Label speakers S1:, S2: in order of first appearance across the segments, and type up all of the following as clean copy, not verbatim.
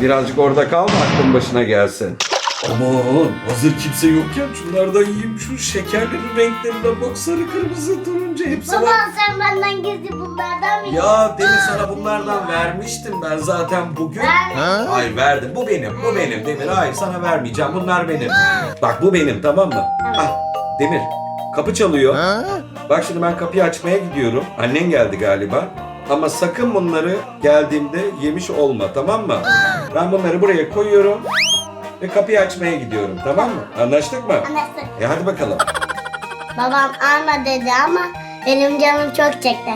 S1: Birazcık orada kal da aklın başına gelsin. Aman hazır kimse yokken şunlardan yiyeyim. Şu şekerlerin renklerine bak, sarı kırmızı turuncu hepsi
S2: Baba
S1: var.
S2: sen benden gizli bunlardan mı?
S1: Ya Demir, sana bunlardan vermiştim ben zaten bugün. Hayır verdim. Bu benim Demir. Hayır, sana vermeyeceğim. Bunlar benim. Bak bu benim, tamam mı? Ah, Demir, kapı çalıyor. Bak şimdi ben kapıyı açmaya gidiyorum. Annen geldi galiba. Ama sakın bunları geldiğimde yemiş olma, tamam mı? Ben bunları buraya koyuyorum ve kapıyı açmaya gidiyorum, tamam mı? Anlaştık mı?
S2: Anlaştık.
S1: Hadi bakalım.
S2: Babam alma dedi ama benim canım çok çekti.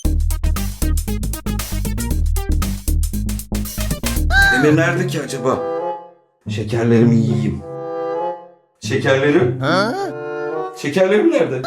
S1: Demir nerede ki acaba? Şekerlerimi yiyeyim. Şekerlerim? Şekerlerim nerede?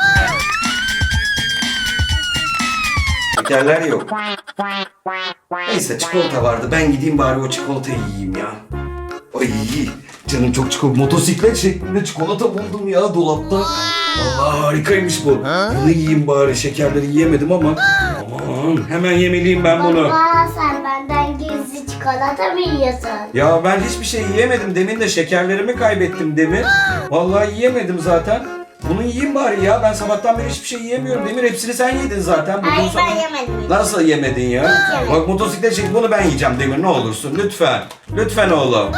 S1: Şekerler yok. Neyse, çikolata vardı. Ben gideyim bari o çikolatayı yiyeyim ya. Ay, canım çok çikolata. Motosiklet şeklinde çikolata buldum ya dolapta. Allah, harikaymış bu. Bunu yiyeyim bari. Şekerleri yiyemedim ama. Aman, hemen yemeliyim ben bunu.
S2: Baba sen benden gizli çikolata mı yiyorsun?
S1: Ya ben hiçbir şey yiyemedim. Demin de şekerlerimi kaybettim Demir. Vallahi yiyemedim zaten. Bunu yiyeyim bari ya. Ben sabahtan beri hiçbir şey yiyemiyorum Demir. Hepsini sen yedin zaten. Bugün
S2: Hayır
S1: sana...
S2: ben yemedim.
S1: Nasıl yemedin ya?
S2: yemedim.
S1: Bak motosiklet çek, bunu ben yiyeceğim Demir, ne olursun lütfen. Lütfen oğlum.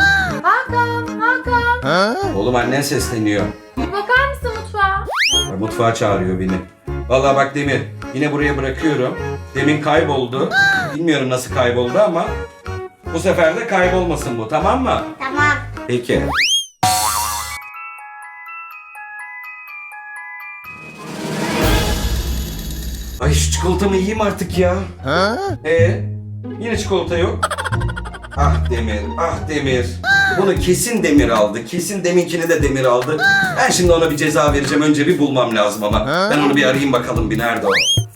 S3: Hakan.
S1: Oğlum, annen sesleniyor.
S3: Bir bakar mısın mutfağa?
S1: Bak, mutfağa çağırıyor beni. Vallahi bak Demir, yine buraya bırakıyorum. Demin kayboldu. Bilmiyorum nasıl kayboldu ama bu sefer de kaybolmasın bu, tamam mı?
S2: Tamam.
S1: Peki. Ay, şu çikolatamı yiyeyim artık ya. Yine çikolata yok. Ah Demir, ah Demir. Bunu kesin Demir aldı. Kesin deminkini de Demir aldı. Ben şimdi ona bir ceza vereceğim. Önce bir bulmam lazım ama. Ben onu bir arayayım bakalım, bir nerede o.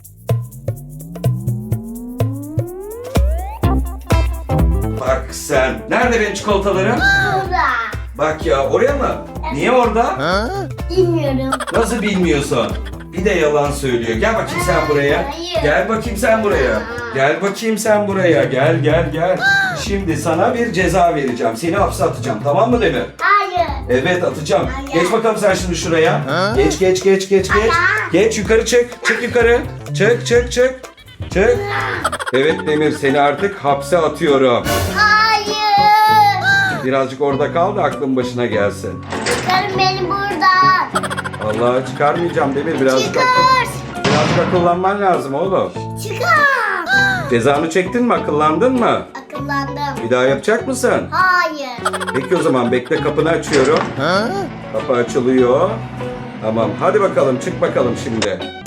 S1: Bak sen. Nerede benim çikolatalarım?
S2: Burada.
S1: Bak ya, oraya mı? Niye orada?
S2: Bilmiyorum.
S1: Nasıl bilmiyorsun? Bir de yalan söylüyor. Gel bakayım sen buraya.
S2: Hayır.
S1: Gel bakayım sen buraya. Gel bakayım sen buraya. Gel. Şimdi sana bir ceza vereceğim. Seni hapse atacağım, tamam mı Demir?
S2: Hayır.
S1: Evet, atacağım.
S2: Hayır.
S1: Geç bakalım sen şimdi şuraya. Geç.
S2: Hayır.
S1: Geç yukarı çık. Çık yukarı. Çık. Evet Demir, seni artık hapse atıyorum.
S2: Hayır.
S1: Birazcık orada kal da aklın başına gelsin.
S2: Çıkarın beni buradan.
S1: Vallahi çıkarmayacağım Demir. Birazcık akıllanman lazım oğlum.
S2: Çıkar.
S1: Cezanı çektin mi? Akıllandın mı?
S2: Akıllandım.
S1: Bir daha yapacak mısın?
S2: Hayır.
S1: Peki o zaman bekle, kapını açıyorum. Kapı açılıyor. Tamam, hadi bakalım, çık bakalım şimdi.